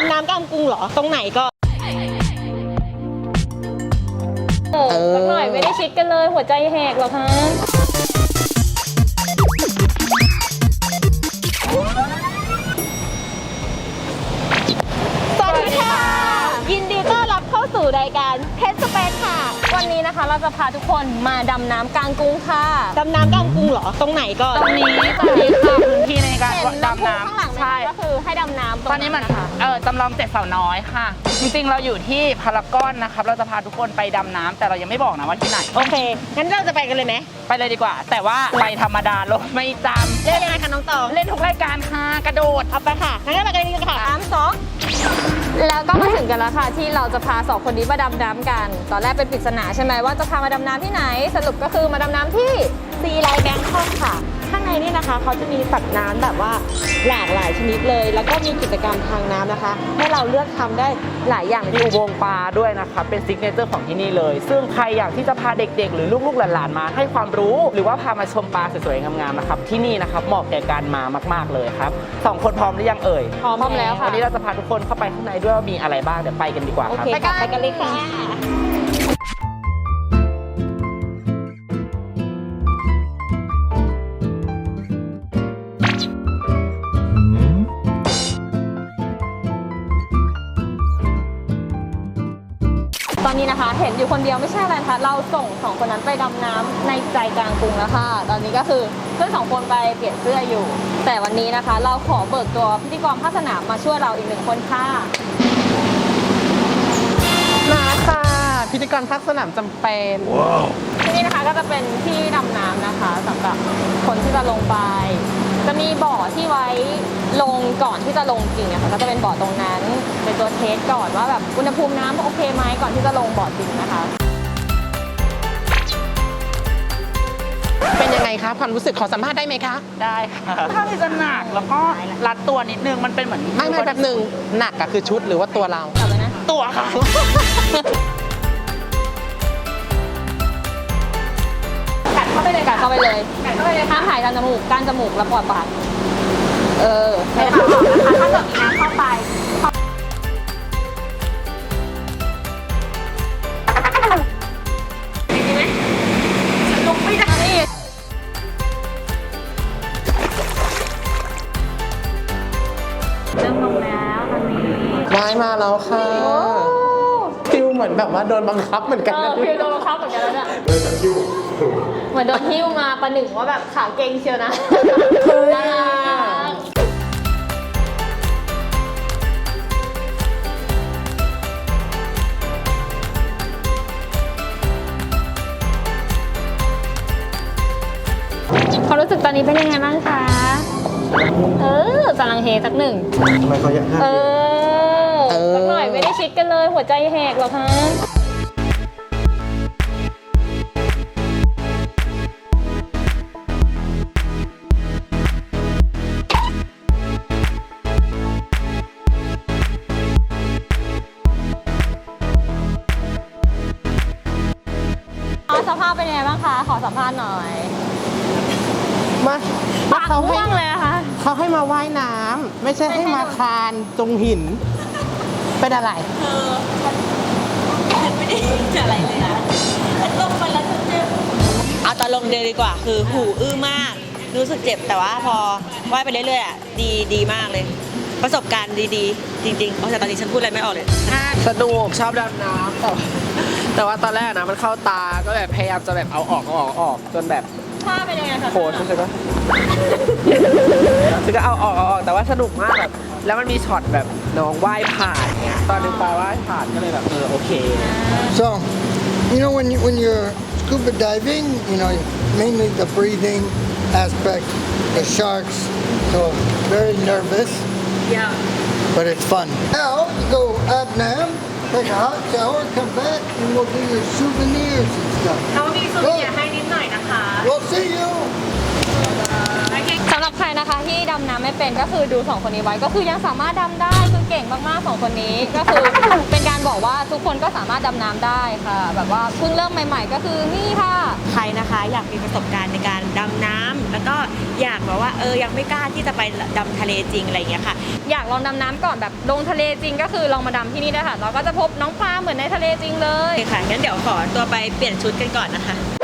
ำน้ำกลางกรุงเหรอตรงไหนก็สักหน่อยไม่ได้ชิดกันเลยหัวใจแหกหรอคะสวัสดีค่ะยินดีต้อนรับเข้าสู่รายการเพชรสเปซค่ะวันนี้นะคะเราจะพาทุกคนมาดำน้ำกลางกรุงค่ะดำน้ำกลางกรุงเหรอตรงไหนก็ตรงนี้ค่ะพื้นที่ในการดำน้ำข้างหลังใช่ก็คือให้ดำน้ำตอนนี้มันจำลอง7สาวน้อยค่ะจริงๆเราอยู่ที่พารากอนนะครับเราจะพาทุกคนไปดำน้ำแต่เรายังไม่บอกนะว่าที่ไหนโอเคงั้นเราจะไปกันเลยไหมไปเลยดีกว่าแต่ว่าไปธรรมดาลงไม่จำเล่นยังไงคะน้องตองเล่นทุกรายการค่ะกระโดดเอาไปค่ะงั้นเราไปกันเลยค่ะ 3-2แล้วก็มาถึงกันแล้วค่ะที่เราจะพา2คนนี้มาดำน้ำกันตอนแรกเป็นปริศนาใช่ไหมว่าจะพามาดำน้ำที่ไหนสรุปก็คือมาดำน้ำที่ซีไลท์แบงคอกค่ะข้างในนี่นะคะเขาจะมีสัตว์น้ำแบบว่าหลากหลายชนิดเลยแล้วก็มีกิจกรรมทางน้ำนะคะให้เราเลือกทำได้หลายอย่างมีอุโมงค์ปลาด้วยนะครับเป็นซิกเนเจอร์ของที่นี่เลยซึ่งใครอยากที่จะพาเด็กๆหรือลูกๆหลานๆมาให้ความรู้หรือว่าพามาชมปลาสวยๆงามๆนะครับที่นี่นะครับเหมาะแก่การมามากๆเลยครับ2คนพร้อมหรือยังเอ่ยพร้อมแล้วค่ะวันนี้เราจะพาทุกคนเข้าไปข้างในด้วยว่ามีอะไรบ้างเดี๋ยวไปกันดีกว่าครับไปกันเลยค่ะตอนนี้นะคะเห็นอยู่คนเดียวไม่ใช่อะไรนะคะเราส่ง2คนนั้นไปดำน้ำในใจกลางกรุงแล้วค่ะตอนนี้ก็คือเพื่อน2คนไปเปลี่ยนเสื้ออยู่แต่วันนี้นะคะเราขอเบิกตัวพิธีกรภาคสนามมาช่วยเราอีก1คนค่ะมาค่ะพิธีกรภาคสนามจำเป็นที่นี่นะคะก็จะเป็นที่ดำน้ำนะคะสำหรับคนที่จะลงไปจะมีบ่อที่ไว้ลงก่อนที่จะลงจริงนะคะก็จะเป็นบ่อตรงนั้นเป็นตัวเทสก่อนว่าแบบอุณหภูมิน้ำโอเคไหมก่อนที่จะลงบ่อจริงนะคะเป็นยังไงคะความรู้สึกขอสัมภาษณ์ได้ไหมคะได้ค่ะถ้าที่จะหนักแล้วก็รัดตัวนิดนึงมันเป็นเหมือนไม่แป๊บนึงหนักอะคือชุดหรือว่าตัวเราเอาเลยนะตัวค่ะกัดเข้าไปเลยห้ามหายทางจมูกก้านจมูกแล้วปอดปากให้ทำนะคะถ้าเกิดมีน้ำเข้าไปดีไหมฉันลงไม่ได้เริ่มลงแล้วตอนนี้ว่ายมาแล้วค่ะฟิลเหมือนแบบว่าโดนบังคับเหมือนกันนะฟิลโดนบังคับเหมือนกันแล้วเนี่ยเหมือนโดนหิ้วมาประหนึ่งว่าแบบขาเก่งเชียวนะน่ารักความรู้สึกตอนนี้เป็นยังไงบ้างคะสลังเฮสักหนึ่งทำไมเขาอยากให้สักหน่อยไม่ได้ชิดกันเลยหัวใจแหกหรอคะสภาพเป็นยังไงบ้างคะขอสัมภาษณ์หน่อยมาเขาห่วงเลยค่ะเขาให้มาว่ายน้ำไม่ใช่ให้มาคานตรงหินเป็นอะไรไม่ได้อะไรเลยนะลงไปแล้วจะเจ็บเอาตอนลงเดินดีกว่าคือหูอื้อมากรู้สึกเจ็บแต่ว่าพอว่ายไปเรื่อยๆดีมากเลยประสบการณ์ดีๆจริงๆแต่ตอนนี้ฉันพูดอะไรไม่ออกเลยสนุกชอบดำน้ำแต่ว่าตอนแรกนะมันเข้าตาก็แบบพยายามจะแบบเอาออกจนแบบท่าเป็นยังไงคะโคตรใช่ไหมคือก็เอาออกแต่ว่าสนุกมากแบบแล้วมันมีช็อตแบบน้องว่ายผ่านเนี่ยตอนนึงปลาว่ายผ่านก็เลยแบบโอเค So you know when you're scuba diving you know mainly the breathing aspect the sharks so very nervous but it's fun now you go Abnam take a hot shower come back and we'll do your souvenirs and stuff เขามีซูเนียร์ให้นิดหน่อยนะคะ We'll see you ำหรับใครนะคะที่ดำน้ำไม่เป็นก็คือดู2คนนี้ไว้ก็คือยังสามารถดำได้คือเก่งมากๆ2คนนี้ก็คือเป็นการบอกว่าทุกคนก็สามารถดำน้ำได้ค่ะ แบบว่าเพิ่งเริ่มใหม่ๆก็คือนี่ค่ะใครนะคะอยากมีประสบการณ์ในการดำน้ำแล้วก็อยากแบบว่ายังไม่กล้าที่จะไปดำทะเลจริงอะไรอย่างเงี้ยค่ะอยากลองดำน้ำก่อนแบบลงทะเลจริงก็คือลองมาดำที่นี่ได้ค่ะเราก็จะพบน้องปลาเหมือนในทะเลจริงเลยโอเคค่ะงั้นเดี๋ยวขอตัวไปเปลี่ยนชุดกันก่อนนะคะ